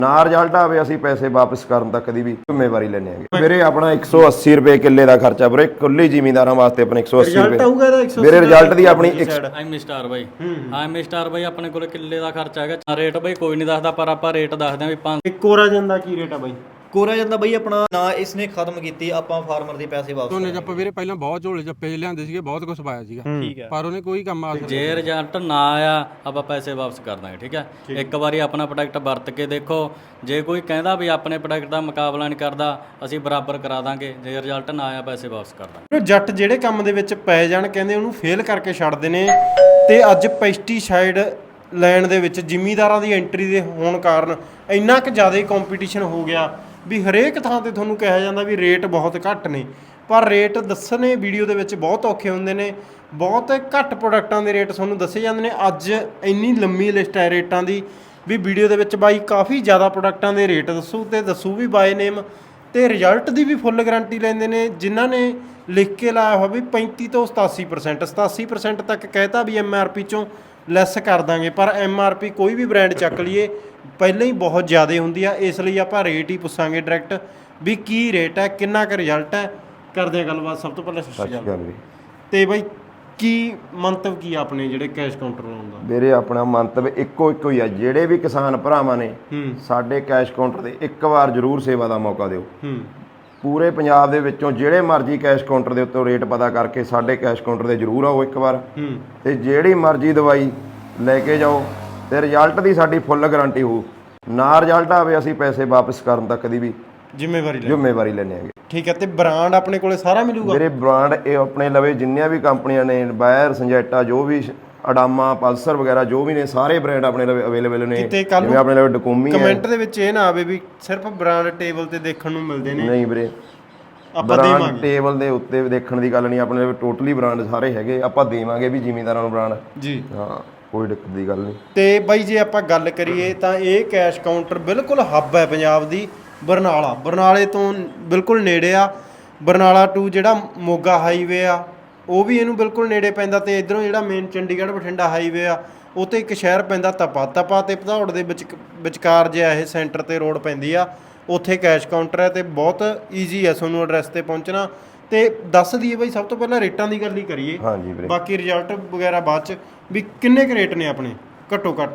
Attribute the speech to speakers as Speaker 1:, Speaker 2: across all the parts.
Speaker 1: ਨਾ ਰਿਜ਼ਲਟ ਆਵੇ ਅਸੀਂ ਪੈਸੇ ਵਾਪਸ ਕਰਨ ਤੱਕ ਦੀ ਵੀ ਜ਼ਿੰਮੇਵਾਰੀ ਲੈਣੇ ਆਗੇ ਵੀਰੇ। ਆਪਣਾ 180 ਰੁਪਏ ਕਿੱਲੇ ਦਾ ਖਰਚਾ ਵੀਰੇ, ਕੁੱਲੀ ਜ਼ਿਮੀਂਦਾਰਾਂ ਵਾਸਤੇ ਆਪਣੇ 180 ਰੁਪਏ ਵੀਰੇ। ਰਿਜ਼ਲਟ ਦੀ ਆਪਣੀ
Speaker 2: ਐਮ ਸਟਾਰ ਬਾਈ, ਹਾਂ ਐਮ ਸਟਾਰ ਬਾਈ ਆਪਣੇ ਕੋਲ ਕਿੱਲੇ ਦਾ ਖਰਚਾ ਹੈਗਾ। ਰੇਟ ਬਾਈ ਕੋਈ ਨਹੀਂ ਦੱਸਦਾ, ਪਰ ਆਪਾਂ ਰੇਟ ਦੱਸਦੇ ਆਂ ਵੀ 5
Speaker 3: ਕੋਰਾਜਨ ਦਾ ਕੀ ਰੇਟ ਆ ਬਾਈ?
Speaker 4: ਕੋਰਾ ਜਾਂਦਾ ਬਈ ਆਪਣਾ ਨਾ ਇਸਨੇ ਖਤਮ ਕੀਤੀ, ਆਪਾਂ ਫਾਰਮਰ ਦੇ ਪੈਸੇ ਵਾਪਸ
Speaker 5: ਝੋਨੇ ਜੱਪ ਵੀਰੇ ਪਹਿਲਾਂ ਬਹੁਤ ਝੋਲੇ ਜੱਪੇ ਲਿਆਂਦੇ ਸੀਗੇ, ਬਹੁਤ ਕੁਝ ਪਾਇਆ ਸੀਗਾ,
Speaker 4: ਠੀਕ ਹੈ।
Speaker 5: ਪਰ ਉਹਨੇ ਕੋਈ ਕੰਮ ਆਸਰ
Speaker 2: ਜੇ ਰਿਜ਼ਲਟ ਨਾ ਆਇਆ ਆਪਾਂ ਪੈਸੇ ਵਾਪਸ ਕਰ ਦਾਂਗੇ, ਠੀਕ ਹੈ। ਇੱਕ ਵਾਰੀ ਆਪਣਾ ਪ੍ਰੋਡਕਟ ਵਰਤ ਕੇ ਦੇਖੋ, ਜੇ ਕੋਈ ਕਹਿੰਦਾ ਵੀ ਆਪਣੇ ਪ੍ਰੋਡਕਟ ਦਾ ਮੁਕਾਬਲਾ ਨਹੀਂ ਕਰਦਾ, ਅਸੀਂ ਬਰਾਬਰ ਕਰਾ ਦਾਂਗੇ। ਜੇ ਰਿਜ਼ਲਟ ਨਾ ਆਇਆ ਪੈਸੇ ਵਾਪਸ ਕਰ ਦਾਂਗੇ।
Speaker 3: ਜੱਟ ਜਿਹੜੇ ਕੰਮ ਦੇ ਵਿੱਚ ਪੈ ਜਾਣ ਕਹਿੰਦੇ ਉਹਨੂੰ ਫੇਲ ਕਰਕੇ ਛੱਡਦੇ ਨੇ, ਤੇ ਅੱਜ ਪੈਸਟੀਸਾਈਡ ਲੈਣ ਦੇ ਵਿੱਚ ਜ਼ਿਮੀਂਦਾਰਾਂ ਦੀ ਐਂਟਰੀ ਦੇ ਹੋਣ ਕਾਰਨ ਇੰਨਾ ਕੁ ਜ਼ਿਆਦਾ ਕੰਪੀਟੀਸ਼ਨ ਹੋ ਗਿਆ ਵੀ ਹਰੇਕ ਥਾਂ ਤੇ ਤੁਹਾਨੂੰ ਕਿਹਾ ਜਾਂਦਾ ਵੀ ਰੇਟ ਬਹੁਤ ਘੱਟ ਨੇ, ਪਰ ਰੇਟ ਦੱਸਣੇ ਵੀਡੀਓ ਦੇ ਵਿੱਚ ਬਹੁਤ ਔਖੇ ਹੁੰਦੇ ਨੇ। ਬਹੁਤ ਘੱਟ ਪ੍ਰੋਡਕਟਾਂ ਦੇ ਰੇਟ ਤੁਹਾਨੂੰ ਦੱਸੇ ਜਾਂਦੇ ਨੇ। ਅੱਜ ਇੰਨੀ ਲੰਮੀ ਲਿਸਟ ਹੈ ਰੇਟਾਂ ਦੀ ਵੀ ਵੀਡੀਓ ਦੇ ਵਿੱਚ ਬਾਈ ਕਾਫੀ ਜ਼ਿਆਦਾ ਪ੍ਰੋਡਕਟਾਂ ਦੇ ਰੇਟ ਦੱਸੂ, ਤੇ ਦੱਸੂ ਵੀ ਬਾਏ ਨੇਮ, ਤੇ ਰਿਜ਼ਲਟ ਦੀ ਵੀ ਫੁੱਲ ਗਾਰੰਟੀ ਲੈਂਦੇ ਨੇ। ਜਿਨ੍ਹਾਂ ਨੇ ਲਿਖ ਕੇ ਲਾਇਆ ਹੋਇਆ ਵੀ 35 ਤੋਂ 87% ਤੱਕ ਕਹਿਤਾ ਵੀ MRP ਚੋਂ ਲੈਸ ਕਰ ਦਾਂਗੇ, ਪਰ MRP ਕੋਈ ਵੀ ਬ੍ਰਾਂਡ ਚੱਕ ਲਈਏ ਪਹਿਲਾਂ ਹੀ ਬਹੁਤ ਜ਼ਿਆਦਾ ਹੁੰਦੀ ਆ। ਇਸ ਲਈ ਆਪਾਂ ਰੇਟ ਹੀ ਪੁੱਛਾਂਗੇ ਡਾਇਰੈਕਟ ਵੀ ਕੀ ਰੇਟ ਹੈ, ਕਿੰਨਾ ਕੁ ਰਿਜ਼ਲਟ ਹੈ। ਕਰਦੇ ਆ ਗੱਲਬਾਤ। ਸਭ ਤੋਂ ਪਹਿਲਾਂ ਸਤਿ ਸ਼੍ਰੀ ਅਕਾਲ ਤੇ ਬਾਈ, ਕੀ ਮੰਤਵ ਕੀ ਆਪਣੇ ਜਿਹੜੇ ਕੈਸ਼ ਕਾਊਂਟਰ ਲਾਉਣ ਦਾ?
Speaker 1: ਵੀਰੇ ਆਪਣਾ ਮੰਤਵ ਇੱਕੋ ਹੀ ਆ, ਜਿਹੜੇ ਵੀ ਕਿਸਾਨ ਭਰਾਵਾਂ ਨੇ ਸਾਡੇ ਕੈਸ਼ ਕਾਊਂਟਰ ਦੇ ਇੱਕ ਵਾਰ ਜ਼ਰੂਰ ਸੇਵਾ ਦਾ ਮੌਕਾ ਦਿਓ। ਪੂਰੇ ਪੰਜਾਬ ਦੇ ਵਿੱਚੋਂ ਜਿਹੜੇ ਮਰਜ਼ੀ ਕੈਸ਼ ਕਾਊਂਟਰ ਦੇ ਉੱਤੇ ਰੇਟ ਪਤਾ ਕਰਕੇ ਸਾਡੇ ਕੈਸ਼ ਕਾਊਂਟਰ ਦੇ ਜ਼ਰੂਰ ਆਓ ਇੱਕ ਵਾਰ, ਤੇ ਜਿਹੜੀ ਮਰਜ਼ੀ ਦਵਾਈ ਲੈ ਕੇ ਜਾਓ, ਤੇ ਰਿਜ਼ਲਟ ਦੀ ਸਾਡੀ ਫੁੱਲ ਗਾਰੰਟੀ ਹੋਊ। ਨਾ ਰਿਜ਼ਲਟ ਆਵੇ ਅਸੀਂ ਪੈਸੇ ਵਾਪਸ ਕਰਨ ਤੱਕ ਦੀ ਵੀ ਜ਼ਿੰਮੇਵਾਰੀ ਲੈਣੇ ਆਗੇ,
Speaker 3: ਠੀਕ ਹੈ। ਤੇ ਬ੍ਰਾਂਡ ਆਪਣੇ ਕੋਲੇ ਸਾਰਾ ਮਿਲੂਗਾ
Speaker 1: ਮੇਰੇ? ਬ੍ਰਾਂਡ ਇਹ ਆਪਣੇ ਲਵੇ ਜਿੰਨੀਆਂ ਵੀ ਕੰਪਨੀਆਂ ਨੇ, ਬਾਇਰ, ਸੰਜੈਟਾ, ਜੋ ਵੀ ਅਡਾਮਾ, ਪਲਸਰ ਵਗੈਰਾ ਜੋ ਵੀ ਨੇ, ਸਾਰੇ ਬ੍ਰਾਂਡ ਆਪਣੇ ਲਵੇ ਅਵੇਲੇਬਲ ਨੇ। ਜਿਵੇਂ ਆਪਣੇ ਲਵੇ ਡਕੂਮੀ ਹੈ।
Speaker 3: ਕਮੈਂਟ ਦੇ ਵਿੱਚ ਇਹ ਨਾ ਆਵੇ ਵੀ ਸਿਰਫ ਬ੍ਰਾਂਡ ਟੇਬਲ ਤੇ ਦੇਖਣ ਨੂੰ ਮਿਲਦੇ ਨੇ।
Speaker 1: ਨਹੀਂ ਵੀਰੇ,
Speaker 3: ਆਪਾਂ
Speaker 1: ਬ੍ਰਾਂਡ ਟੇਬਲ ਦੇ ਉੱਤੇ ਦੇਖਣ ਦੀ ਗੱਲ ਨਹੀਂ, ਆਪਣੇ ਲਵੇ ਟੋਟਲੀ ਬ੍ਰਾਂਡ ਸਾਰੇ ਹੈਗੇ। ਆਪਾਂ ਦੇਵਾਂਗੇ ਵੀ ਜ਼ਿਮੀਂਦਾਰਾਂ ਨੂੰ ਬ੍ਰਾਂਡ
Speaker 3: ਜੀ,
Speaker 1: ਹਾਂ, ਕੋਈ ਦਿੱਕਤ ਦੀ ਗੱਲ ਨਹੀਂ।
Speaker 3: ਤੇ ਬਾਈ ਜੇ ਆਪਾਂ ਗੱਲ ਕਰੀਏ ਤਾਂ ਇਹ ਕੈਸ਼ ਕਾਊਂਟਰ ਬਿਲਕੁਲ ਹੱਬ ਹੈ ਪੰਜਾਬ ਦੀ। ਬਰਨਾਲੇ ਤੋਂ ਬਿਲਕੁਲ ਨੇੜੇ ਆ। ਬਰਨਾਲਾ ਟੂ ਜਿਹੜਾ ਮੋਗਾ ਹਾਈਵੇ ਆ ਉਹ ਵੀ ਇਹਨੂੰ ਬਿਲਕੁਲ ਨੇੜੇ ਪੈਂਦਾ, ਤੇ ਇਧਰੋਂ ਜਿਹੜਾ ਮੇਨ ਚੰਡੀਗੜ੍ਹ ਬਠਿੰਡਾ ਹਾਈਵੇ ਆ ਉਹ ਤੇ ਇੱਕ ਸ਼ਹਿਰ ਪੈਂਦਾ ਤਪਾ ਤੇ ਭਦੌੜ ਦੇ ਵਿਚਕਾਰ ਜਿਹਾ ਇਹ ਸੈਂਟਰ ਤੇ ਰੋਡ ਪੈਂਦੀ ਆ, ਉੱਥੇ ਕੈਸ਼ ਕਾਊਂਟਰ ਹੈ ਤੇ ਬਹੁਤ ਈਜ਼ੀ ਹੈ ਤੁਹਾਨੂੰ ਐਡਰੈਸ ਤੇ ਪਹੁੰਚਣਾ। ਤੇ ਦੱਸ ਦਈਏ ਬਾਈ, ਸਭ ਤੋਂ ਪਹਿਲਾਂ ਰੇਟਾਂ ਦੀ ਗੱਲ ਹੀ ਕਰੀਏ,
Speaker 1: ਹਾਂਜੀ ਵੀਰੇ,
Speaker 3: ਬਾਕੀ ਰਿਜ਼ਲਟ ਵਗੈਰਾ ਬਾਅਦ ਚ, ਵੀ ਕਿੰਨੇ ਕੁ ਰੇਟ ਨੇ ਆਪਣੇ ਘੱਟੋ ਘੱਟ?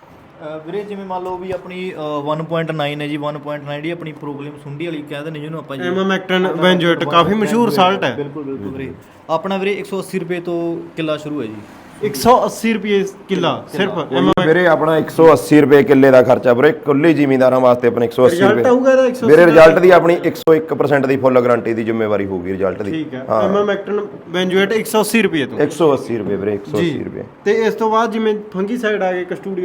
Speaker 4: ਵੀਰੇ ਜਿਵੇਂ ਮੰਨ ਲਓ ਵੀ ਆਪਣੀ 1.9 ਹੈ ਜੀ। 1.9 ਦੀ ਆਪਣੀ ਪ੍ਰੋਬਲਮ ਸੁੰਡੀ ਵਾਲੀ ਕਹਿੰਦੇ ਨੇ ਜਿਹਨੂੰ ਆਪਾਂ ਜੀ,
Speaker 3: ਐਮਾਮੈਕਟਨ ਬੈਂਜੋਏਟ ਕਾਫੀ ਮਸ਼ਹੂਰ ਸਾਲਟ ਹੈ।
Speaker 4: ਬਿਲਕੁਲ ਵੀਰੇ। ਆਪਣਾ ਵੀਰੇ 180 ਰੁਪਏ ਤੋਂ ਕਿੱਲਾ ਸ਼ੁਰੂ ਹੈ ਜੀ।
Speaker 3: 180 ਰੁਪਏ ਕਿੱਲਾ ਸਿਰਫ?
Speaker 1: ਵੀਰੇ ਆਪਣਾ 180 ਰੁਪਏ ਕਿੱਲੇ ਦਾ ਖਰਚਾ ਵੀਰੇ, ਕੁੱਲੀ ਜ਼ਿਮੀਂਦਾਰਾਂ ਵਾਸਤੇ ਆਪਣੇ 180 ਰੁਪਏ ਵੀਰੇ। ਰਿਜ਼ਲਟ ਦੀ ਆਪਣੀ 101% ਦੀ ਫੁੱਲ ਗਾਰੰਟੀ ਦੀ ਜ਼ਿੰਮੇਵਾਰੀ ਹੋਊਗੀ ਰਿਜ਼ਲਟ ਦੀ।
Speaker 3: ਠੀਕ ਹੈ। ਐਮਾਮੈਕਟਨ ਬੈਂਜੋਏਟ 180 ਰੁਪਏ ਤੋਂ
Speaker 1: 180 ਰੁਪਏ ਵੀਰੇ, 180 ਰੁਪਏ।
Speaker 3: ਤੇ ਇਸ ਤੋਂ ਬਾਅਦ ਜਿਵੇਂ ਫੰਗੀਸਾਈਡ ਆ ਗਏ,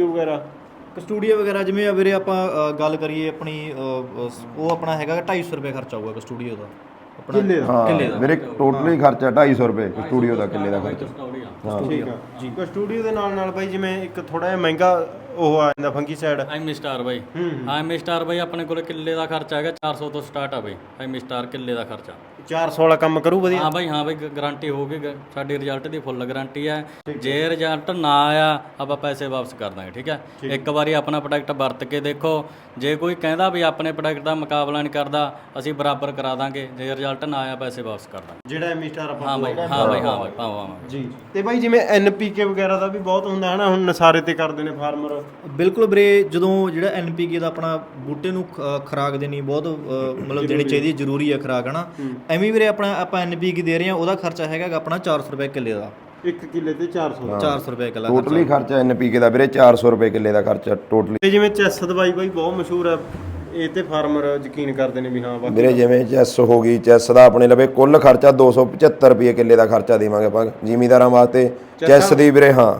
Speaker 3: ਕਸਟੂਡੀਓ ਵਗੈਰਾ
Speaker 4: ਜਿਵੇਂ ਵੀਰੇ ਆਪਾਂ ਗੱਲ ਕਰੀਏ ਆਪਣੀ ਉਹ ਆਪਣਾ ਹੈਗਾ 250 ਰੁਪਏ ਖਰਚਾ ਹੋਊਗਾ ਕਸਟੂਡੀਓ ਦਾ ਆਪਣਾ
Speaker 3: ਕਿੱਲੇ ਦਾ।
Speaker 1: ਮੇਰੇ ਟੋਟਲੀ ਖਰਚਾ 250 ਰੁਪਏ ਸਟੂਡੀਓ ਦਾ, ਕਿੱਲੇ ਦਾ ਖਰਚਾ।
Speaker 3: ਠੀਕ ਹੈ ਜੀ। ਕਸਟੂਡੀਓ ਦੇ ਨਾਲ ਬਾਈ ਜਿਵੇਂ ਇੱਕ ਥੋੜਾ ਜਿਹਾ ਮਹਿੰਗਾ ਉਹ ਆ ਜਾਂਦਾ ਫੰਗੀਸਾਈਡ,
Speaker 2: ਐਮ ਸਟਾਰ ਬਾਈ, ਹਾਂ ਐਮ ਸਟਾਰ ਬਾਈ ਆਪਣੇ ਕੋਲ ਕਿੱਲੇ ਦਾ ਖਰਚਾ ਹੈਗਾ 400 ਤੋਂ ਸਟਾਰਟ ਆ ਬਾਈ। ਐਮ ਸਟਾਰ ਕਿੱਲੇ ਦਾ ਖਰਚਾ
Speaker 3: 400 ਵਾਲਾ ਕੰਮ ਕਰੂ ਵਧੀਆ?
Speaker 2: ਹਾਂ ਬਾਈ, ਹਾਂ ਬਾਈ, ਗਾਰੰਟੀ ਹੋਊਗੀ ਸਾਡੀ, ਰਿਜ਼ਲਟ ਦੀ ਫੁੱਲ ਗਾਰੰਟੀ ਹੈ। ਜੇ ਰਿਜ਼ਲਟ ਨਾ ਆਇਆ ਆਪਾਂ ਪੈਸੇ ਵਾਪਸ ਕਰ ਦਾਂਗੇ, ਠੀਕ ਹੈ। ਇੱਕ ਵਾਰੀ ਆਪਣਾ ਪ੍ਰੋਡਕਟ ਵਰਤ ਕੇ ਦੇਖੋ, ਜੇ ਕੋਈ ਕਹਿੰਦਾ ਵੀ ਆਪਣੇ ਪ੍ਰੋਡਕਟ ਦਾ ਮੁਕਾਬਲਾ ਨਹੀਂ ਕਰਦਾ, ਅਸੀਂ ਬਰਾਬਰ ਕਰਾ ਦਾਂਗੇ। ਜੇ ਰਿਜ਼ਲਟ ਨਾ ਆਇਆ ਪੈਸੇ ਵਾਪਸ ਕਰ ਦਾਂਗੇ।
Speaker 3: ਜਿਹੜਾ ਐਮ ਸਟਾਰ ਆਪਾਂ
Speaker 2: ਹਾਂ ਬਾਈ, ਪਾਵਾਂਗੇ
Speaker 3: ਜੀ। ਤੇ ਬਾਈ ਜਿਵੇਂ NPK ਵਗੈਰਾ ਦਾ ਵੀ ਬਹੁਤ ਹੁੰਦਾ ਹੈ ਨਾ, ਹੁਣ ਨਸਾਰੇ ਤੇ ਕਰਦੇ ਨੇ ਫਾਰਮਰ।
Speaker 4: ਬਿਲਕੁਲ ਵੀਰੇ, ਜਦੋਂ ਜਿਹੜਾ NPK ਦਾ ਆਪਣਾ ਬੂਟੇ ਨੂੰ ਖੁਰਾਕ ਦੇਣੀ ਬਹੁਤ ਮਤਲਬ ਦੇਣੀ ਚਾਹੀਦੀ ਹੈ, ਜ਼ਰੂਰੀ ਹੈ ਖੁਰਾਕ, ਹੈ ਨਾ। ਐਵੇਂ ਵੀਰੇ ਆਪਾਂ NPK ਦੇ ਰਹੇ ਹਾਂ, ਉਹਦਾ ਖਰਚਾ ਹੈਗਾ ਆਪਣਾ 400 ਰੁਪਏ ਕਿੱਲੇ ਦਾ।
Speaker 3: 1 ਕਿੱਲੇ ਤੇ 400
Speaker 4: ਰੁਪਏ ਕਿੱਲਾ
Speaker 1: ਟੋਟਲੀ ਖਰਚਾ NPK ਦਾ ਵੀਰੇ 400 ਰੁਪਏ ਕਿੱਲੇ ਦਾ ਖਰਚਾ ਟੋਟਲੀ।
Speaker 3: ਤੇ ਜਿਵੇਂ ਚੈਸ ਦਵਾਈ ਬਾਈ ਬਹੁਤ ਮਸ਼ਹੂਰ ਹੈ, ਇਹ ਤੇ ਫਾਰਮਰ ਯਕੀਨ ਕਰਦੇ ਨੇ ਵੀ ਹਾਂ ਬਾਕੀ
Speaker 1: ਵੀਰੇ ਜਿਵੇਂ ਚੈਸ ਹੋ ਗਈ, ਚੈਸ ਦਾ ਆਪਣੇ ਲਵੇ ਕੁੱਲ ਖਰਚਾ 275 ਰੁਪਏ ਕਿੱਲੇ ਦਾ ਖਰਚਾ ਦੇਵਾਂਗੇ ਆਪਾਂ ਜ਼ਿਮੀਂਦਾਰਾਂ ਵਾਸਤੇ। ਚੈਸ ਦੀ ਵੀਰੇ, ਹਾਂ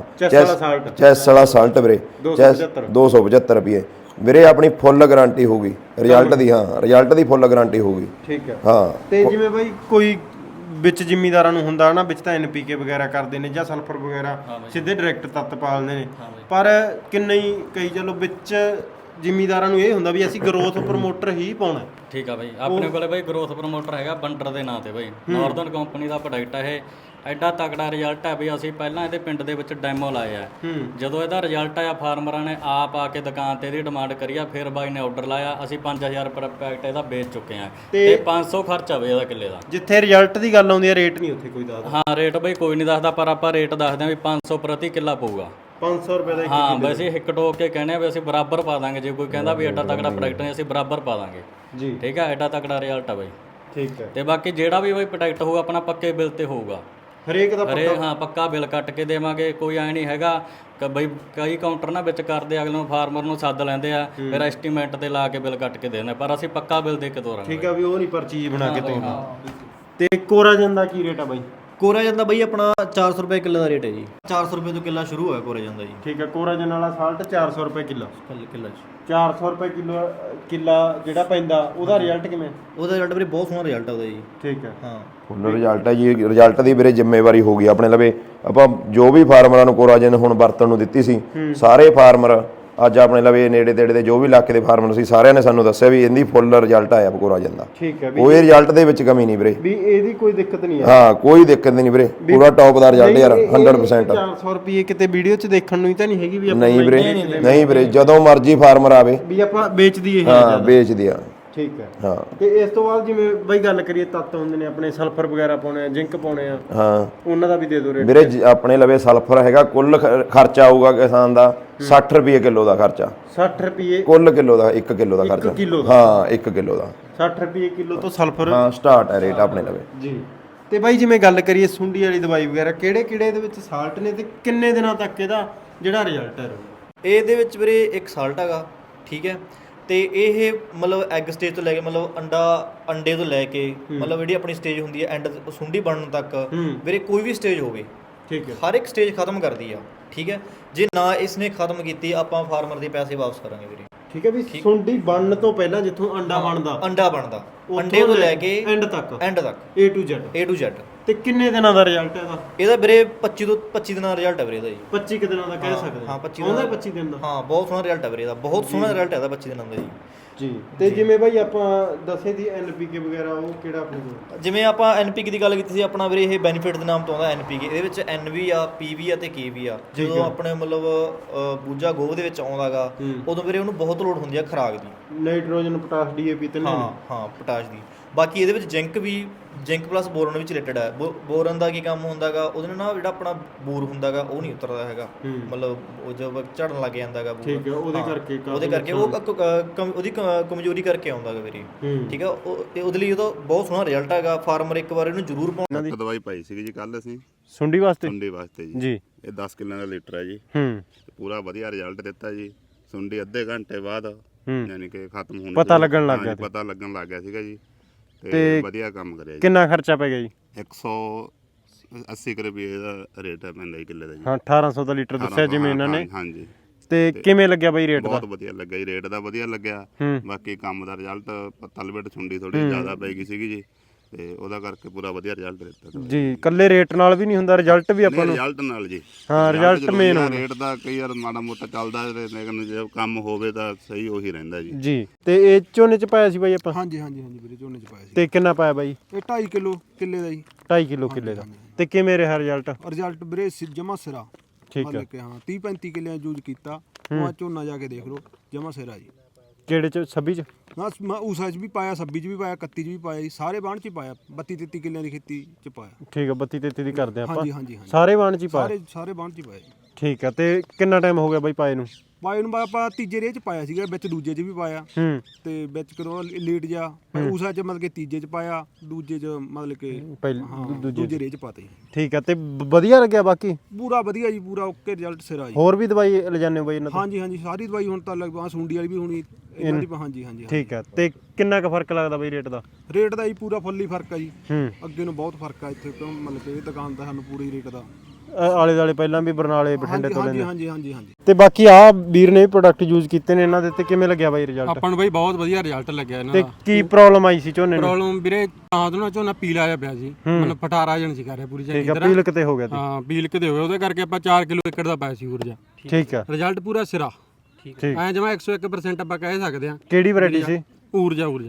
Speaker 1: ਚੈਸ ਵਾਲਾ ਸਾਲਟ ਵੀਰੇ 275 ਰੁਪਏ ਵੀਰੇ। ਆਪਣੀ ਫੁੱਲ ਗਾਰੰਟੀ ਹੋਊਗੀ ਰਿਜ਼ਲਟ ਦੀ, ਹਾਂ ਰਿਜ਼ਲਟ ਦੀ ਫੁੱਲ ਗਾਰੰਟੀ ਹੋਊਗੀ।
Speaker 3: ਠੀਕ ਹੈ।
Speaker 1: ਹਾਂ।
Speaker 3: ਤੇ ਜਿਵੇਂ ਬਾਈ ਕੋਈ ਵਿੱਚ ਜ਼ਿਮੀਂਦਾਰਾਂ ਨੂੰ ਹੁੰਦਾ ਨਾ, ਵਿੱਚ ਤਾਂ NPK ਵਗੈਰਾ ਕਰਦੇ ਨੇ ਜਾਂ ਸਲਫਰ ਵਗੈਰਾ ਸਿੱਧੇ ਡਾਇਰੈਕਟ ਤੱਤ ਪਾਲਦੇ ਨੇ, ਪਰ ਕਿੰਨੇ ਹੀ ਕਈ ਚਲੋ ਵਿੱਚ ਜ਼ਿਮੀਂਦਾਰਾਂ ਨੂੰ ਇਹ ਹੁੰਦਾ ਵੀ ਅਸੀਂ ਗਰੋਥ ਪ੍ਰਮੋਟਰ ਹੀ ਪਾਉਣਾ।
Speaker 2: ਠੀਕ ਆ ਬਾਈ, ਆਪਣੇ ਕੋਲੇ ਬਾਈ ਗਰੋਥ ਪ੍ਰਮੋਟਰ ਹੈਗਾ ਬੰਡਰ ਦੇ ਨਾਂ ਤੇ ਬਾਈ, ਨਾਰਦਰਨ ਕੰਪਨੀ ਦਾ ਪ੍ਰੋਡਕਟ ਹੈ ਇਹ। ਐਡਾ ਤਕੜਾ ਰਿਜ਼ਲਟ ਹੈ ਵੀ ਅਸੀਂ ਪਹਿਲਾਂ ਇਹਦੇ ਪਿੰਡ ਦੇ ਵਿੱਚ ਡੈਮੋ ਲਾਏ ਆ। ਜਦੋਂ ਇਹਦਾ ਰਿਜ਼ਲਟ ਆਇਆ ਫਾਰਮਰਾਂ ਨੇ ਆਪ ਆ ਕੇ ਦੁਕਾਨ ਤੇ ਇਹਦੀ ਡਿਮਾਂਡ ਕਰੀ ਆ, ਫਿਰ ਬਾਈ ਨੇ ਆਰਡਰ ਲਾਇਆ, ਅਸੀਂ 5000 ਪਰ ਪੈਕਟ ਇਹਦਾ ਵੇਚ ਚੁੱਕੇ ਆ ਤੇ 500 ਖਰਚਾ ਬਈ ਇਹਦਾ ਕਿੱਲੇ ਦਾ।
Speaker 3: ਜਿੱਥੇ ਰਿਜ਼ਲਟ ਦੀ ਗੱਲ ਆਉਂਦੀ ਹੈ ਰੇਟ ਨਹੀਂ ਉੱਥੇ ਕੋਈ ਦੱਸਦਾ।
Speaker 2: ਹਾਂ ਰੇਟ ਬਈ ਕੋਈ ਨਹੀਂ ਦੱਸਦਾ, ਪਰ ਆਪਾਂ ਰੇਟ ਦੱਸਦੇ ਆ ਵੀ 500 ਪ੍ਰਤੀ ਕਿੱਲਾ ਪਊਗਾ।
Speaker 3: 500 ਰੁਪਏ ਦਾ
Speaker 2: ਹਾਂ ਵੈਸੇ ਹਿੱਕ ਟੋਕ ਕੇ ਕਹਿੰਦੇ ਆ ਵੀ ਅਸੀਂ ਬਰਾਬਰ ਪਾ ਦਾਂਗੇ, ਜੇ ਕੋਈ ਕਹਿੰਦਾ ਵੀ ਐਡਾ ਤਕੜਾ ਪ੍ਰੋਡਕਟ ਨਹੀਂ ਅਸੀਂ ਬਰਾਬਰ ਪਾ ਦਾਂਗੇ
Speaker 3: ਜੀ।
Speaker 2: ਠੀਕ ਹੈ, ਐਡਾ ਤਕੜਾ ਰਿਜ਼ਲਟ ਆ ਬਈ।
Speaker 3: ਠੀਕ ਹੈ।
Speaker 2: ਤੇ ਬਾਕੀ ਜਿਹੜਾ ਵੀ ਬਈ ਪ੍ਰੋਡਕਟ ਹੋਊਗਾ ਆਪਣਾ ਪੱਕੇ ਬਿੱਲ ਤੇ ਹੋਊਗਾ,
Speaker 3: ਹਰੇਕ ਦਾ
Speaker 2: ਹਾਂ ਪੱਕਾ ਬਿੱਲ ਕੱਟ ਕੇ ਦੇਵਾਂਗੇ। ਕੋਈ ਐ ਨਹੀਂ ਹੈਗਾ ਕਿ ਬਈ ਕਈ ਕਾਊਂਟਰ ਨਾ ਵਿੱਚ ਕਰਦੇ ਅਗਲੇ ਨੂੰ ਫਾਰਮਰ ਨੂੰ ਸੱਦ ਲੈਂਦੇ ਆ, ਫਿਰ ਐਸਟੀਮੇਟ ਤੇ ਲਾ ਕੇ ਬਿੱਲ ਕੱਟ ਕੇ ਦੇ ਦਿੰਦੇ, ਪਰ ਅਸੀਂ ਪੱਕਾ ਬਿੱਲ ਦੇ ਕੇ ਤੋਰਾਂਗੇ।
Speaker 3: ਠੀਕ ਆ ਵੀ ਉਹ ਨਹੀਂ ਪਰ ਚੀਜ਼ ਬਣਾ ਕੇ ਤੋਰਨਾ। ਤੇ ਕੋਰਾਜਨ ਦਾ ਕੀ ਰੇਟ ਆ ਬਾਈ?
Speaker 4: ਕੋਰਾਜਨ ਦਾ ਬਈ ਆਪਣਾ 400 ਰੁਪਏ ਕਿੱਲੇ ਦਾ ਰੇਟ ਹੈ ਜੀ। 400 ਰੁਪਏ ਤੋਂ ਕਿੱਲਾ ਸ਼ੁਰੂ ਹੋਇਆ ਕੋਰਾਜਨ ਦਾ ਜੀ।
Speaker 3: ਠੀਕ ਹੈ, ਕੋਰਾਜਨ ਵਾਲਾ ਸਾਲਟ 400 ਰੁਪਏ ਕਿੱਲੋ।
Speaker 4: ਕਿੱਲਾ
Speaker 3: 400 ਰੁਪਏ ਕਿੱਲਾ ਜਿਹੜਾ ਪੈਂਦਾ ਉਹਦਾ ਰਿਜ਼ਲਟ ਕਿਵੇਂ?
Speaker 4: ਉਹਦਾ ਰਿਜ਼ਲਟ ਵੀਰੇ ਬਹੁਤ ਸੋਹਣਾ ਰਿਜ਼ਲਟ ਆ ਉਹਦਾ ਜੀ।
Speaker 3: ਠੀਕ ਹੈ।
Speaker 4: ਹਾਂ
Speaker 1: ਫੁੱਲ ਰਿਜ਼ਲਟ ਹੈ ਜੀ। ਰਿਜ਼ਲਟ ਦੀ ਵੀਰੇ ਜ਼ਿੰਮੇਵਾਰੀ ਹੋ ਗਈ ਆਪਣੇ ਲਵੇ। ਆਪਾਂ ਜੋ ਵੀ ਫਾਰਮਰਾਂ ਨੂੰ ਕੋਰਾਜਨ ਹੁਣ ਵਰਤਣ ਨੂੰ ਦਿੱਤੀ ਸੀ, ਸਾਰੇ ਫਾਰਮਰ ਅੱਜ ਆਪਣੇ ਲਵੇ ਨੇੜੇ ਤੇੜੇ ਦੇ ਜੋ ਵੀ ਇਲਾਕੇ ਦੇ ਫਾਰਮਰ ਸੀ, ਸਾਰਿਆਂ ਨੇ ਸਾਨੂੰ ਦੱਸਿਆ ਵੀ ਇਹਦੀ ਫੁੱਲ ਰਿਜ਼ਲਟ ਆਇਆ ਕੋਰਾਜਨ ਦਾ।
Speaker 3: ਠੀਕ ਹੈ,
Speaker 1: ਕੋਈ ਰਿਜ਼ਲਟ ਦੇ ਵਿੱਚ ਕਮੀ ਨਹੀਂ ਵੀਰੇ,
Speaker 3: ਵੀ ਇਹਦੀ ਕੋਈ ਦਿੱਕਤ ਨਹੀਂ ਆ।
Speaker 1: ਹਾਂ ਕੋਈ ਦਿੱਕਤ ਨਹੀਂ ਵੀਰੇ, ਪੂਰਾ ਟੌਪ ਦਾ ਰਿਜ਼ਲਟ ਯਾਰ 100%।
Speaker 3: 400 ਰੁਪਏ ਕਿਤੇ ਵੀਡੀਓ 'ਚ ਦੇਖਣ ਨੂੰ ਹੀ ਤਾਂ ਨਹੀਂ ਹੈਗੀ ਵੀ ਆਪਾਂ
Speaker 1: ਨਹੀਂ ਵੀਰੇ, ਨਹੀਂ ਵੀਰੇ, ਜਦੋਂ ਮਰਜ਼ੀ ਫਾਰਮਰ ਆਵੇ
Speaker 3: ਵੀ ਆਪਾਂ ਵੇਚਦੀ ਇਹ।
Speaker 1: ਹਾਂ ਵੇਚ ਦਿਆ।
Speaker 3: ਠੀਕ ਹੈ।
Speaker 1: ਹਾਂ
Speaker 3: ਤੇ ਇਸ ਤੋਂ ਬਾਅਦ ਜਿਵੇਂ ਬਈ ਗੱਲ ਕਰੀਏ ਤੱਤ ਹੁੰਦੇ ਨੇ ਆਪਣੇ, ਸਲਫਰ ਵਗੈਰਾ ਪਾਉਣੇ ਆ, ਜ਼ਿੰਕ ਪਾਉਣੇ ਆ,
Speaker 1: ਹਾਂ
Speaker 3: ਉਹਨਾਂ ਦਾ ਵੀ ਦੇ ਦਿਓ ਰੇਟ।
Speaker 1: ਵੀਰੇ ਆਪਣੇ ਲਵੇ ਸਲਫਰ ਹੈਗਾ, ਕੁੱਲ ਖਰਚਾ ਆਊਗਾ ਕਿਸਾਨ ਦਾ 60 ਰੁਪਏ ਕਿਲੋ ਦਾ ਖਰਚਾ।
Speaker 3: 60 ਰੁਪਏ
Speaker 1: ਕੁੱਲ ਕਿਲੋ ਦਾ 1 ਕਿਲੋ ਦਾ ਖਰਚਾ। ਹਾਂ 1 ਕਿਲੋ ਦਾ
Speaker 3: 60 ਰੁਪਏ ਕਿਲੋ ਤੋਂ ਸਲਫਰ।
Speaker 1: ਹਾਂ ਸਟਾਰਟ ਹੈ ਰੇਟ ਆਪਣੇ ਲਵੇ
Speaker 3: ਜੀ। ਤੇ ਬਾਈ ਜਿਵੇਂ ਗੱਲ ਕਰੀਏ ਸੁੰਡੀ ਵਾਲੀ ਦਵਾਈ ਵਗੈਰਾ, ਕਿਹੜੇ ਕਿਹੜੇ ਇਹਦੇ ਵਿੱਚ ਸਾਲਟ ਨੇ ਤੇ ਕਿੰਨੇ ਦਿਨਾਂ ਤੱਕ ਇਹਦਾ ਜਿਹੜਾ ਰਿਜ਼ਲਟ ਹੈ?
Speaker 4: ਇਹਦੇ ਵਿੱਚ ਵੀਰੇ ਇੱਕ ਸਾਲਟ ਹੈਗਾ, ਠੀਕ ਹੈ। ਤੇ ਇਹ ਮਤਲਬ ਐਗ ਸਟੇਜ ਤੋਂ ਲੈ ਕੇ ਮਤਲਬ ਅੰਡੇ ਤੋਂ ਲੈ ਕੇ ਮਤਲਬ ਜਿਹੜੀ ਆਪਣੀ ਸਟੇਜ ਹੁੰਦੀ ਹੈ ਐਂਡ ਸੁੰਡੀ ਬਣਨ ਤੱਕ ਵੀਰੇ ਕੋਈ ਵੀ ਸਟੇਜ ਹੋਵੇ,
Speaker 3: ਠੀਕ ਹੈ,
Speaker 4: ਹਰ ਇੱਕ ਸਟੇਜ ਖਤਮ ਕਰਦੀ ਆ। ਠੀਕ ਹੈ, ਜੇ ਨਾ ਇਸਨੇ ਖਤਮ ਕੀਤੀ ਆਪਾਂ ਫਾਰਮਰ ਦੇ ਪੈਸੇ ਵਾਪਸ ਕਰਾਂਗੇ ਵੀਰੇ।
Speaker 3: ਠੀਕ ਹੈ ਵੀ ਸੁੰਡੀ ਬਣਨ ਤੋਂ ਪਹਿਲਾਂ ਜਿੱਥੋਂ ਅੰਡਾ ਬਣਦਾ
Speaker 4: ਅੰਡੇ ਤੋਂ ਲੈ ਕੇ
Speaker 3: ਐਂਡ ਤੱਕ A to Z। ਤੇ ਕਿੰਨੇ ਦਿਨਾਂ ਦਾ ਰਿਜ਼ਲਟ ਹੈ ਇਹਦਾ?
Speaker 4: ਇਹਦਾ ਵੀਰੇ 25 ਤੋਂ 25 ਦਿਨਾਂ ਦਾ ਰਿਜ਼ਲਟ ਹੈ ਵੀਰੇ ਇਹਦਾ ਜੀ।
Speaker 3: 25 ਕਿ ਦਿਨਾਂ ਦਾ ਕਹਿ ਸਕਦੇ
Speaker 4: ਹਾਂ 25
Speaker 3: ਆਉਂਦਾ 25 ਦਿਨ ਦਾ।
Speaker 4: ਹਾਂ ਬਹੁਤ ਸੋਹਣਾ ਰਿਜ਼ਲਟ ਹੈ ਵੀਰੇ ਇਹਦਾ, ਬਹੁਤ ਸੋਹਣਾ ਰਿਜ਼ਲਟ ਹੈ ਇਹਦਾ 25 ਦਿਨਾਂ ਦਾ ਜੀ।
Speaker 3: ਜੀ। ਤੇ ਜਿਵੇਂ ਬਾਈ ਆਪਾਂ ਦੱਸੇ ਦੀ NPK ਵਗੈਰਾ, ਉਹ ਕਿਹੜਾ ਆਪਣੇ ਕੋਲ?
Speaker 4: ਜਿਵੇਂ ਆਪਾਂ NPK ਦੀ ਗੱਲ ਕੀਤੀ ਸੀ, ਆਪਣਾ ਵੀਰੇ ਇਹ ਬੈਨੀਫਿਟ ਦੇ ਨਾਮ ਤੋਂ ਆਉਂਦਾ NPK। ਇਹਦੇ ਵਿੱਚ N ਵੀ ਆ, P ਵੀ ਆ ਤੇ K ਵੀ ਆ। ਜਦੋਂ ਆਪਣੇ ਮਤਲਬ ਬੂਝਾ ਗੋਭ ਦੇ ਵਿੱਚ ਆਉਂਦਾਗਾ ਉਦੋਂ ਵੀਰੇ ਉਹਨੂੰ ਬਹੁਤ ਲੋੜ ਹੁੰਦੀ ਆ ਖੁਰਾਕ ਦੀ,
Speaker 3: ਨਾਈਟ੍ਰੋਜਨ, ਪੋਟਾਸ਼, DAP ਤੇ
Speaker 4: ਹਾਂ ਪੋਟਾਸ਼ ਦੀ। ਬਾਕੀ ਇਹਦੇ ਵਿੱਚ ਜ਼ਿੰਕ ਪਲੱਸ ਬੋਰਨ ਵਿੱਚ ਰਿਲੇਟਡ ਹੈ। ਬੋਰਨ ਦਾ ਕੀ ਕੰਮ ਹੁੰਦਾਗਾ, ਉਹਦੇ ਨਾਲ ਜਿਹੜਾ ਆਪਣਾ ਬੂਰ ਹੁੰਦਾਗਾ ਉਹ ਨਹੀਂ ਉਤਰਦਾ ਹੈਗਾ, ਮਤਲਬ ਉਹ ਜਦੋਂ ਝੜਨ ਲੱਗ ਜਾਂਦਾਗਾ ਬੂਰ।
Speaker 3: ਠੀਕ ਹੈ, ਉਹਦੇ ਕਰਕੇ
Speaker 4: ਉਹ ਉਹਦੀ ਕਮਜ਼ੋਰੀ ਕਰਕੇ ਆਉਂਦਾਗਾ ਵੀਰੇ। ਠੀਕ ਹੈ, ਉਹਦੇ ਲਈ ਉਹਦਾ ਬਹੁਤ ਸੋਹਣਾ ਰਿਜ਼ਲਟ ਹੈਗਾ। ਫਾਰਮਰ ਇੱਕ ਵਾਰ ਇਹਨੂੰ ਜ਼ਰੂਰ ਪਾਉਣਾ।
Speaker 6: ਦਵਾਈ ਪਾਈ ਸੀਗੀ ਜੀ ਕੱਲ ਅਸੀਂ
Speaker 3: ਸੁੰਡੀ ਵਾਸਤੇ
Speaker 6: ਜੀ। ਇਹ 10 ਕਿੱਲਿਆਂ ਦਾ ਲੀਟਰ ਹੈ ਜੀ। ਪੂਰਾ ਵਧੀਆ ਰਿਜ਼ਲਟ ਦਿੱਤਾ ਜੀ। ਸੁੰਡੀ ਅੱਧੇ ਘੰਟੇ ਬਾਅਦ ਯਾਨੀ ਕਿ ਖਤਮ ਹੋਣ
Speaker 3: ਪਤਾ ਲੱਗਣ ਲੱਗ
Speaker 6: ਗਿਆ ਸੀਗਾ ਜੀ। ਤੇ ਵਧੀਆ ਕੰਮ ਕਰਿਆ ਜੀ।
Speaker 3: ਕਿੰਨਾ ਖਰਚਾ ਪੈ ਗਿਆ ਜੀ?
Speaker 6: 180 ਰੁਪਏ ਦਾ ਰੇਟ ਹੈ ਪੈਂਦਾ ਜੀ ਕਿੱਲੇ ਦਾ ਜੀ।
Speaker 3: ਹਾਂ 1800 ਦਾ ਲੀਟਰ ਦੱਸਿਆ ਜਿਵੇਂ ਇਹਨਾਂ ਨੇ।
Speaker 6: ਹਾਂਜੀ।
Speaker 3: ਤੇ ਕਿਵੇਂ ਲੱਗਿਆ ਬਾਈ ਰੇਟ ਦਾ?
Speaker 6: ਬਹੁਤ ਵਧੀਆ ਲੱਗਾ ਜੀ, ਰੇਟ ਦਾ ਵਧੀਆ ਲੱਗਿਆ। ਬਾਕੀ ਕੰਮ ਦਾ ਰਿਜ਼ਲਟ ਤਲਬੇਟ ਸੁੰਡੀ ਥੋੜੀ ਜ਼ਿਆਦਾ ਪੈ ਗਈ ਸੀਗੀ ਜੀ, ਤੇ ਉਹਦਾ ਕਰਕੇ ਪੂਰਾ ਵਧੀਆ ਰਿਜ਼ਲਟ ਦਿੱਤਾ
Speaker 3: ਜੀ। ਕੱਲੇ ਰੇਟ ਨਾਲ ਵੀ ਨਹੀਂ ਹੁੰਦਾ, ਰਿਜ਼ਲਟ ਵੀ ਆਪਾਂ ਨੂੰ
Speaker 6: ਰਿਜ਼ਲਟ ਨਾਲ ਜੀ।
Speaker 3: ਹਾਂ ਰਿਜ਼ਲਟ ਮੇਨ ਹੁੰਦਾ।
Speaker 6: ਰੇਟ ਦਾ ਕਈ ਵਾਰ ਮਾੜਾ ਮੋਟਾ ਚੱਲਦਾ, ਲੇਕਿਨ ਜੇ ਕੰਮ ਹੋਵੇ ਤਾਂ ਸਹੀ ਉਹੀ ਰਹਿੰਦਾ ਜੀ।
Speaker 3: ਜੀ। ਤੇ ਇਹ ਝੋਨੇ ਚ ਪਾਇਆ ਸੀ ਬਾਈ ਆਪਾਂ?
Speaker 5: ਹਾਂਜੀ ਵੀਰੇ ਝੋਨੇ ਚ ਪਾਇਆ ਸੀ।
Speaker 3: ਤੇ ਕਿੰਨਾ ਪਾਇਆ ਬਾਈ?
Speaker 5: ਇਹ 2.5 ਕਿਲੋ ਕਿੱਲੇ ਦਾ ਜੀ।
Speaker 3: 2.5 ਕਿਲੋ ਕਿੱਲੇ ਦਾ। ਤੇ ਕਿਵੇਂ ਰਿਹਾ ਰਿਜ਼ਲਟ?
Speaker 5: ਰਿਜ਼ਲਟ ਵੀਰੇ ਜਮਾ ਸਿਰਾ।
Speaker 3: ਠੀਕ ਹੈ।
Speaker 5: ਕਿ ਹਾਂ 30-35 ਕਿੱਲਿਆਂ ਯੂਜ਼ ਕੀਤਾ। ਉਹ ਝੋਨਾ ਜਾ ਕੇ ਦੇਖ ਲਓ ਜਮਾ ਸਿਰਾ ਜੀ।
Speaker 3: ਕਿਹੜੇ ਚ? 26 ਚ?
Speaker 5: ਮੈਂ ਉਸਾਂ ਚ ਵੀ ਪਾਇਆ, 26 ਚ ਵੀ ਪਾਇਆ, 31 ਚ ਵੀ ਪਾਇਆ ਜੀ। ਸਾਰੇ ਬਾਣ ਚ ਹੀ ਪਾਇਆ। 32-33 ਕਿੱਲਿਆਂ ਦੀ ਖੇਤੀ ਚ ਪਾਇਆ।
Speaker 3: ਠੀਕ ਹੈ, 32-33 ਦੀ ਕਰਦੇ ਆਪਾਂ।
Speaker 5: ਹਾਂਜੀ।
Speaker 3: ਸਾਰੇ ਬਾਣ ਚ ਹੀ ਪਾਇਆ?
Speaker 5: ਸਾਰੇ ਬਾਣ ਚ ਹੀ ਪਾਇਆ ਜੀ।
Speaker 3: ਠੀਕ ਹੈ। ਤੇ ਕਿੰਨਾ ਟਾਈਮ ਹੋ ਗਿਆ ਬਾਈ ਪਾਏ ਨੂੰ?
Speaker 5: ਪਾਏ ਨੂੰ ਆਪਾਂ ਤੀਜੇ ਰੇਹ ਚ ਪਾਇਆ ਸੀਗਾ, ਵਿੱਚ ਦੂਜੇ ਚ ਵੀ ਪਾਇਆ। ਤੇ ਵਿੱਚ ਕਦੋਂ ਲੇਟ ਜਾ ਉਸਾਂ ਚ ਮਤਲਬ ਕਿ ਤੀਜੇ ਚ ਪਾਇਆ, ਦੂਜੇ ਚ ਮਤਲਬ ਕਿ ਦੂਜੇ ਰੇਹ ਚ ਪਾਤੇ।
Speaker 3: ਠੀਕ ਹੈ। ਤੇ ਵਧੀਆ ਲੱਗਿਆ ਬਾਕੀ?
Speaker 5: ਪੂਰਾ ਵਧੀਆ ਜੀ, ਪੂਰਾ ਓਕੇ ਰਿਜ਼ਲਟ ਸਿਰਾ ਜੀ।
Speaker 3: ਹੋਰ ਵੀ ਦਵਾਈ ਲਿਜਾਨੇ ਬਾਈ ਇਹਨਾਂ ਤੋਂ?
Speaker 5: ਹਾਂਜੀ ਸਾਰੀ ਦਵਾਈ ਹੁਣ ਤਾਂ ਲਗਭਗ ਸੁੰਡੀ ਵਾਲੀ ਵੀ ਹੋਣੀ ਇਹਨਾਂ ਦੀ। ਹਾਂਜੀ।
Speaker 3: ਠੀਕ ਹੈ। ਤੇ ਕਿੰਨਾ ਕੁ ਫਰਕ ਲੱਗਦਾ ਬਾਈ ਰੇਟ ਦਾ?
Speaker 5: ਰੇਟ ਦਾ ਜੀ ਪੂਰਾ ਫੁੱਲੀ ਫਰਕ ਆ ਜੀ। ਅੱਗੇ ਨੂੰ ਬਹੁਤ ਫਰਕ ਆ ਇੱਥੇ, ਕਿਉਂ ਮਤਲਬ ਕਿ ਇਹ ਦੁਕਾਨ ਦਾ ਸਾਨੂੰ ਪੂਰੀ ਰੇਟ ਦਾ
Speaker 3: ਆਲੇ ਦਾਲੇ ਪਹਿਲਾਂ ਵੀ ਬਰਨਾਲੇ ਬਠਿੰਡੇ ਤੋਂ ਲੈਂਦੇ।
Speaker 5: ਹਾਂਜੀ।
Speaker 3: ਤੇ ਬਾਕੀ ਆ ਵੀਰ ਨੇ ਵੀ ਪ੍ਰੋਡਕਟ ਯੂਜ਼ ਕੀਤੇ ਨੇ ਇਹਨਾਂ ਦੇ, ਤੇ ਕਿਵੇਂ ਲੱਗਿਆ ਬਾਈ ਰਿਜ਼ਲਟ?
Speaker 5: ਆਪਾਂ ਨੂੰ ਬਾਈ ਬਹੁਤ ਵਧੀਆ ਰਿਜ਼ਲਟ ਲੱਗਿਆ ਇਹਨਾਂ
Speaker 3: ਦਾ।
Speaker 5: ਤੇ
Speaker 3: ਕੀ ਪ੍ਰੋਬਲਮ ਆਈ ਸੀ ਝੋਨੇ ਨੂੰ?
Speaker 5: ਪ੍ਰੋਬਲਮ ਵੀਰੇ ਤਾਂ ਤੋਂ ਨਾ ਝੋਨਾ ਪੀਲਾ ਜਿਹਾ ਪਿਆ ਸੀ, ਮਤਲਬ ਫਟਾਰਾ ਜਣ ਸੀ ਕਰ ਰਿਹਾ ਪੂਰੀ
Speaker 3: ਚੰਗੀ ਤਰ੍ਹਾਂ। ਪੀਲਕ ਤੇ ਹੋ ਗਿਆ ਸੀ।
Speaker 5: ਹਾਂ ਪੀਲਕ ਤੇ ਹੋ ਗਿਆ, ਉਹਦੇ ਕਰਕੇ ਆਪਾਂ 4 ਕਿਲੋ ਏਕੜ ਦਾ ਪਾਇਆ ਸੀ ਊਰਜਾ।
Speaker 3: ਠੀਕ ਹੈ।
Speaker 5: ਰਿਜ਼ਲਟ ਪੂਰਾ ਸਿਰਾ।
Speaker 3: ਠੀਕ
Speaker 5: ਐ ਜਮਾ 101% ਆਪਾਂ ਕਹਿ ਸਕਦੇ ਆ।
Speaker 3: ਕਿਹੜੀ ਵੈਰਾਈਟੀ ਸੀ?
Speaker 5: ਊਰਜਾ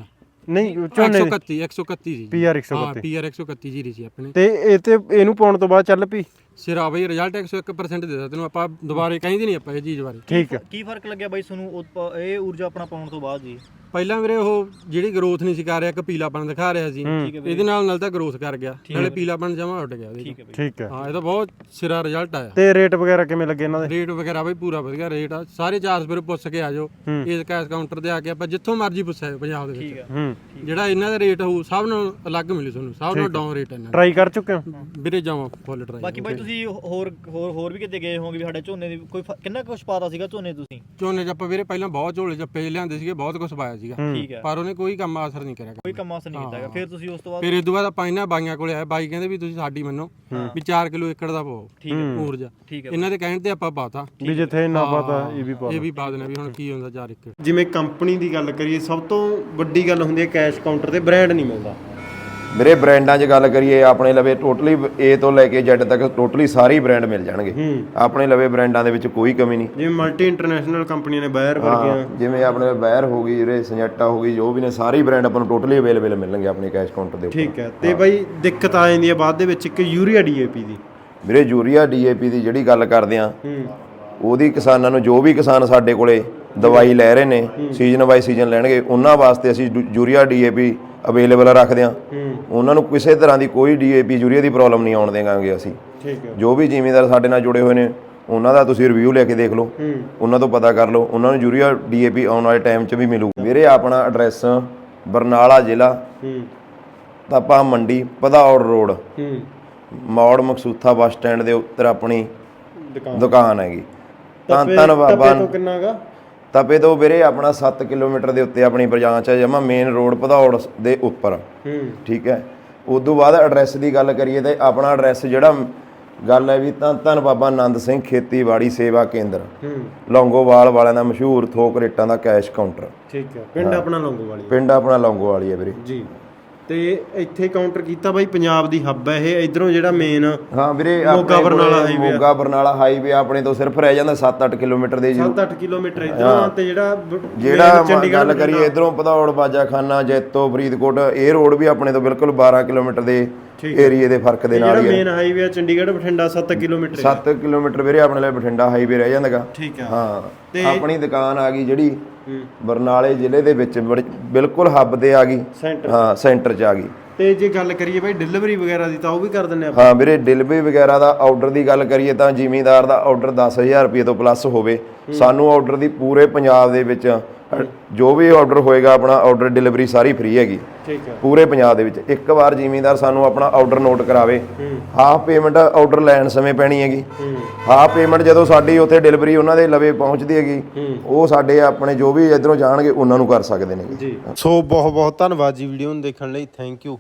Speaker 3: ਨਹੀਂ ਝੋਨੇ ਦੀ
Speaker 5: 131 ਜੀ
Speaker 3: PR
Speaker 5: ਹਾਂ
Speaker 3: 131
Speaker 5: PR 131 ਜੀਰੀ ਸੀ ਆਪਣੇ
Speaker 3: ਤੇ ਇਹ ਤੇ ਇਹਨੂੰ ਪਾਉਣ ਤੋਂ ਬਾਅਦ ਚੱਲ ਪਈ
Speaker 5: ਸਿਰਾ ਬਈ ਰਿਜ਼ਲਟ 101% ਦੇ ਦਿੱਤਾ ਤੈਨੂੰ ਆਪਾਂ ਦੁਬਾਰੇ ਕਹਿੰਦੇ ਨਹੀਂ ਆਪਾਂ ਇਹ ਚੀਜ਼ ਬਾਰੇ
Speaker 3: ਠੀਕ ਹੈ
Speaker 4: ਕੀ ਫਰਕ ਲੱਗਿਆ ਬਾਈ ਤੁਹਾਨੂੰ ਇਹ ਊਰਜਾ ਆਪਣਾ ਪਾਉਣ ਤੋਂ ਬਾਅਦ ਜੀ
Speaker 5: ਪਹਿਲਾਂ ਵੀਰੇ ਉਹ ਜਿਹੜੀ ਗਰੋਥ ਨਹੀਂ ਸੀ ਕਰ ਰਿਹਾ, ਇੱਕ ਪੀਲਾਪਣ ਦਿਖਾ ਰਿਹਾ ਸੀ, ਇਹਦੇ ਨਾਲ ਤਾਂ ਗਰੋਥ ਕਰ ਗਿਆ, ਨਾਲੇ ਪੀਲਾਪਣ ਜਮਾ ਉੱਡ ਗਿਆ।
Speaker 3: ਠੀਕ ਹੈ
Speaker 5: ਹਾਂ ਇਹ ਤਾਂ ਬਹੁਤ ਸਿਰਾ ਰਿਜ਼ਲਟ ਆਇਆ।
Speaker 3: ਤੇ ਰੇਟ ਵਗੈਰਾ ਕਿਵੇਂ ਲੱਗੇ ਇਹਨਾਂ ਦੇ?
Speaker 5: ਰੇਟ ਵਗੈਰਾ ਬਈ ਪੂਰਾ ਵਧੀਆ ਰੇਟ ਆ, ਸਾਰੇ ਚਾਰਜ ਫਿਰ ਪੁੱਛ ਕੇ ਆ ਜਾਓ ਇਸ ਕੈਸ਼ ਕਾਊਂਟਰ ਤੇ ਆ ਕੇ, ਆਪਾਂ ਜਿੱਥੋਂ ਮਰਜ਼ੀ ਪੁੱਛਿਆ ਪੰਜਾਬ ਦੇ ਵਿੱਚ ਜਿਹੜਾ ਇਹਨਾਂ ਦਾ ਰੇਟ ਹੋਊ ਸਭ ਨੂੰ ਅਲੱਗ ਮਿਲੂ ਤੁਹਾਨੂੰ, ਸਭ ਨੂੰ ਡਾਊਨ ਰੇਟ ਇਹਨਾਂ ਦਾ।
Speaker 3: ਟਰਾਈ ਕਰ ਚੁੱਕੇ ਹੋ
Speaker 5: ਵੀਰੇ ਜਾਵਾਂ ਫੁੱਲ ਟਰਾਈ।
Speaker 4: ਬਾਕੀ ਬਾਈ ਤੁਸੀਂ ਹੋਰ ਵੀ ਕਿਤੇ ਗਏ ਹੋਵੋਗੇ ਵੀ ਸਾਡੇ ਝੋਨੇ ਦੀ ਕੋਈ ਕਿੰਨਾ ਕੁਛ ਪਾਤਾ ਸੀਗਾ ਝੋਨੇ ਤੁਸੀਂ?
Speaker 5: ਝੋਨੇ 'ਚ ਆਪਾਂ ਵੀਰੇ ਪਹਿਲਾਂ ਬਹੁਤ ਝੋਲੇ ਜੱਪੇ ਲਿਆਂਦੇ ਸੀਗੇ, ਬਹੁਤ ਕੁਝ ਪਾਇਆ ਸੀਗਾ,
Speaker 4: ਠੀਕ ਹੈ,
Speaker 5: ਪਰ ਉਹਨੇ ਕੋਈ ਕੰਮ ਅਸਰ ਨਹੀਂ ਕਰਿਆ।
Speaker 4: ਕੋਈ ਕੰਮ ਅਸਰ ਨਹੀਂ ਕੀਤਾ ਹੈਗਾ। ਫਿਰ ਤੁਸੀਂ ਉਸ ਤੋਂ ਬਾਅਦ
Speaker 5: ਫਿਰ ਇਸ ਤੋਂ ਬਾਅਦ ਆਪਾਂ ਇਹਨਾਂ ਬਾਈਆਂ ਕੋਲੇ ਆਏ, ਬਾਈ ਕਹਿੰਦੇ ਵੀ ਤੁਸੀਂ ਸਾਡੀ ਮੰਨੋ ਵੀ 4 ਕਿਲੋ ਏਕੜ ਦਾ ਪਾਓ ਊਰਜਾ,
Speaker 4: ਠੀਕ ਹੈ,
Speaker 5: ਇਹਨਾਂ ਦੇ ਕਹਿਣ ਤੇ ਆਪਾਂ ਪਾਤਾ
Speaker 3: ਵੀ ਜਿੱਥੇ ਨਾ ਪਤਾ ਇਹ ਵੀ ਪਾ
Speaker 5: ਇਹ ਵੀ ਪਾ ਦੇਣਾ ਵੀ ਹੁਣ ਕੀ ਹੁੰਦਾ 4 ਏਕੜ।
Speaker 3: ਜਿਵੇਂ ਕੰਪਨੀ ਦੀ ਗੱਲ ਕਰੀਏ, ਸਭ ਤੋਂ ਵੱਡੀ ਗੱਲ ਹੁੰਦੀ ਹੈ ਕੈਸ਼ ਕਾਊਂਟਰ ਤੇ ਬ੍ਰਾਂਡ ਨਹੀਂ ਮਿਲਦਾ।
Speaker 1: ਵੀਰੇ ਬ੍ਰਾਂਡਾਂ 'ਚ ਗੱਲ ਕਰੀਏ, ਆਪਣੇ ਲਵੇ ਟੋਟਲੀ A ਤੋਂ ਲੈ ਕੇ Z ਤੱਕ ਟੋਟਲੀ ਸਾਰੇ ਬ੍ਰਾਂਡ ਮਿਲ ਜਾਣਗੇ ਆਪਣੇ ਲਵੇ, ਬ੍ਰਾਂਡਾਂ ਦੇ ਵਿੱਚ ਕੋਈ ਕਮੀ ਨਹੀਂ।
Speaker 3: ਜਿਵੇਂ ਮਲਟੀ ਇੰਟਰਨੈਸ਼ਨਲ ਕੰਪਨੀਆਂ ਨੇ ਬਾਇਰ ਵਰਗੀਆਂ,
Speaker 1: ਜਿਵੇਂ ਆਪਣੇ ਬਾਇਰ ਹੋ ਗਈ, ਜਿਹੜੇ ਸੰਜੈਟਾ ਹੋ ਗਈ, ਜੋ ਵੀ ਨੇ ਸਾਰੇ ਬ੍ਰਾਂਡ ਆਪਾਂ ਨੂੰ ਟੋਟਲੀ ਅਵੇਲੇਬਲ ਮਿਲਣਗੇ ਆਪਣੇ ਕੈਸ਼ ਕਾਊਂਟਰ ਦੇ ਉੱਪਰ।
Speaker 3: ਠੀਕ ਹੈ। ਤੇ ਬਾਈ ਦਿੱਕਤ ਆ ਜਾਂਦੀ ਹੈ ਬਾਅਦ ਦੇ ਵਿੱਚ ਇੱਕ ਯੂਰੀਆ DAP ਦੀ।
Speaker 1: ਵੀਰੇ ਯੂਰੀਆ DAP ਦੀ ਜਿਹੜੀ ਗੱਲ ਕਰਦੇ ਆ, ਉਹਦੀ ਕਿਸਾਨਾਂ ਨੂੰ, ਜੋ ਵੀ ਕਿਸਾਨ ਸਾਡੇ ਕੋਲੇ ਦਵਾਈ ਲੈ ਰਹੇ ਨੇ ਸੀਜ਼ਨ ਬਾਈ ਸੀਜ਼ਨ ਲੈਣਗੇ, ਉਹਨਾਂ ਵਾਸਤੇ ਅਸੀਂ ਯੂਰੀਆ DAP ਅਵੇਲੇਬਲ ਰੱਖਦੇ ਆ। ਉਹਨਾਂ ਨੂੰ ਕਿਸੇ ਤਰ੍ਹਾਂ ਦੀ ਕੋਈ DAP ਯੂਰੀਆ ਦੀ ਪ੍ਰੋਬਲਮ ਨਹੀਂ ਆਉਣ ਦੇਵਾਂਗੇ ਅਸੀਂ।
Speaker 3: ਠੀਕ ਹੈ।
Speaker 1: ਜੋ ਵੀ ਜ਼ਿਮੀਂਦਾਰ ਸਾਡੇ ਨਾਲ ਜੁੜੇ ਹੋਏ ਨੇ ਉਹਨਾਂ ਦਾ ਤੁਸੀਂ ਰਿਵਿਊ ਲੈ ਕੇ ਦੇਖ ਲਓ, ਉਹਨਾਂ ਤੋਂ ਪਤਾ ਕਰ ਲਓ, ਉਹਨਾਂ ਨੂੰ ਯੂਰੀਆ DAP ਆਉਣ ਵਾਲੇ ਟਾਈਮ 'ਚ ਵੀ ਮਿਲੂ। ਵੀਰੇ ਆਪਣਾ ਐਡਰੈਸ ਬਰਨਾਲਾ ਜ਼ਿਲ੍ਹਾ, Tapa Mandi, Bhadaur road, Maur Maksutha bus stand ਦੇ ਉੱਤਰ ਆਪਣੀ ਦੁਕਾਨ ਹੈਗੀ। ਧੰਨ ਬਾਬਾ
Speaker 3: ਕਿੰਨਾ ਗਾ?
Speaker 1: ਤਪੇ ਤੋਂ ਵੀਰੇ ਆਪਣਾ 7 ਕਿਲੋਮੀਟਰ ਦੇ ਉੱਤੇ ਆਪਣੀ ਬ੍ਰਾਂਚ ਹੈ, ਜਮਾ ਮੇਨ ਰੋਡ ਭਦੌੜ ਦੇ ਉੱਪਰ। ਠੀਕ ਹੈ। ਉਦੋਂ ਬਾਅਦ ਐਡਰੈਸ ਦੀ ਗੱਲ ਕਰੀਏ ਤਾਂ ਆਪਣਾ ਐਡਰੈਸ ਜਿਹੜਾ ਗੱਲ ਹੈ ਵੀ ਧੰਨ ਬਾਬਾ ਆਨੰਦ ਸਿੰਘ ਖੇਤੀਬਾੜੀ ਸੇਵਾ ਕੇਂਦਰ, ਲੌਂਗੋਵਾਲ ਵਾਲਿਆਂ ਦਾ ਮਸ਼ਹੂਰ ਥੋਕ ਰੇਟਾਂ ਦਾ ਕੈਸ਼ ਕਾਊਂਟਰ।
Speaker 3: ਠੀਕ ਹੈ। ਪਿੰਡ ਆਪਣਾ ਲੌਂਗੋਵਾਲੀ।
Speaker 1: ਪਿੰਡ ਆਪਣਾ ਲੌਂਗੋਵਾਲੀ ਹੈ ਵੀਰੇ
Speaker 3: ਜੀ। ਤੇ ਇੱਥੇ ਕਾਊਂਟਰ ਕੀਤਾ ਬਾਈ, ਪੰਜਾਬ ਦੀ ਹੱਬ ਹੈ ਇਹ। ਇਧਰੋਂ ਜਿਹੜਾ ਮੇਨ
Speaker 1: ਹਾਂ ਵੀਰੇ
Speaker 3: ਮੋਗਾ ਬਰਨਾਲਾ ਹਾਈਵੇ,
Speaker 1: ਮੋਗਾ ਬਰਨਾਲਾ ਹਾਈਵੇ ਆਪਣੇ ਤੋਂ ਸਿਰਫ ਰਹਿ ਜਾਂਦਾ 7-8 ਕਿਲੋਮੀਟਰ ਦੇ।
Speaker 3: 7-8 ਕਿਲੋਮੀਟਰ ਇਧਰੋਂ, ਤੇ
Speaker 1: ਜਿਹੜਾ ਗੱਲ ਕਰੀਏ ਇਧਰੋਂ ਭਦੌੜ, ਬਾਜਾਖਾਨਾ, ਜੈਤੋ, ਫਰੀਦਕੋਟ, ਇਹ ਰੋਡ ਵੀ ਆਪਣੇ ਤੋਂ ਬਿਲਕੁਲ 12 ਕਿਲੋਮੀਟਰ ਦੇ ਏਰੀਏ ਦੇ ਫਰਕ ਦੇ ਨਾਲ ਹੀ ਹੈ।
Speaker 3: ਮੇਨ ਹਾਈਵੇ ਆ ਚੰਡੀਗੜ੍ਹ ਬਠਿੰਡਾ 7 ਕਿਲੋਮੀਟਰ।
Speaker 1: 7 ਕਿਲੋਮੀਟਰ ਵੀਰੇ ਆਪਣੇ ਲਈ ਬਠਿੰਡਾ ਹਾਈਵੇ ਰਹਿ ਜਾਂਦਾਗਾ।
Speaker 3: ਠੀਕ ਹੈ।
Speaker 1: ਹਾਂ। ਆਪਣੀ ਦੁਕਾਨ ਆ ਗਈ ਜਿਹੜੀ ਬਰਨਾਲੇ ਜ਼ਿਲ੍ਹੇ ਦੇ ਵਿੱਚ ਬਿਲਕੁਲ ਹੱਬ ਤੇ ਆ ਗਈ। ਹਾਂ, ਸੈਂਟਰ 'ਚ ਆ ਗਈ।
Speaker 3: ਤੇ ਜੇ ਗੱਲ ਕਰੀਏ ਬਾਈ ਡਿਲੀਵਰੀ ਵਗੈਰਾ ਦੀ, ਤਾਂ ਉਹ ਵੀ ਕਰ ਦਿੰਦੇ ਆਪਾਂ?
Speaker 1: ਹਾਂ ਵੀਰੇ, ਡਿਲੀਵਰੀ ਵਗੈਰਾ ਦਾ ਆਰਡਰ ਦੀ ਗੱਲ ਕਰੀਏ ਤਾਂ ਜ਼ਿਮੀਂਦਾਰ ਦਾ ਆਰਡਰ 10,000 ਰੁਪਏ ਤੋਂ ਪਲੱਸ ਹੋਵੇ, ਸਾਨੂੰ ਆਰਡਰ ਦੀ ਪੂਰੇ ਪੰਜਾਬ ਦੇ ਵਿੱਚ ਜੋ ਵੀ ਆਰਡਰ ਹੋਏਗਾ ਆਪਣਾ ਆਰਡਰ ਡਿਲੀਵਰੀ ਸਾਰੀ ਫ੍ਰੀ ਹੈਗੀ।
Speaker 3: ਠੀਕ ਹੈ।
Speaker 1: ਪੂਰੇ ਪੰਜਾਬ ਦੇ ਵਿੱਚ ਇੱਕ ਵਾਰ ਜ਼ਿਮੀਂਦਾਰ ਸਾਨੂੰ ਆਪਣਾ ਆਰਡਰ ਨੋਟ ਕਰਾਵੇ, ਹਾਫ ਪੇਮੈਂਟ ਆਰਡਰ ਲੈਣ ਸਮੇਂ ਪੈਣੀ ਹੈਗੀ, ਹਾਫ ਪੇਮੈਂਟ ਜਦੋਂ ਸਾਡੀ ਉੱਥੇ ਡਿਲੀਵਰੀ ਉਹਨਾਂ ਦੇ ਲਵੇ ਪਹੁੰਚਦੀ ਹੈਗੀ, ਉਹ ਸਾਡੇ ਆਪਣੇ ਜੋ ਵੀ ਇਧਰੋਂ ਜਾਣਗੇ ਉਹਨਾਂ ਨੂੰ ਕਰ ਸਕਦੇ ਨੇ
Speaker 3: ਜੀ। ਸੋ ਬਹੁਤ ਬਹੁਤ ਧੰਨਵਾਦ ਜੀ ਵੀਡੀਓ ਨੂੰ ਦੇਖਣ ਲਈ। Thank you.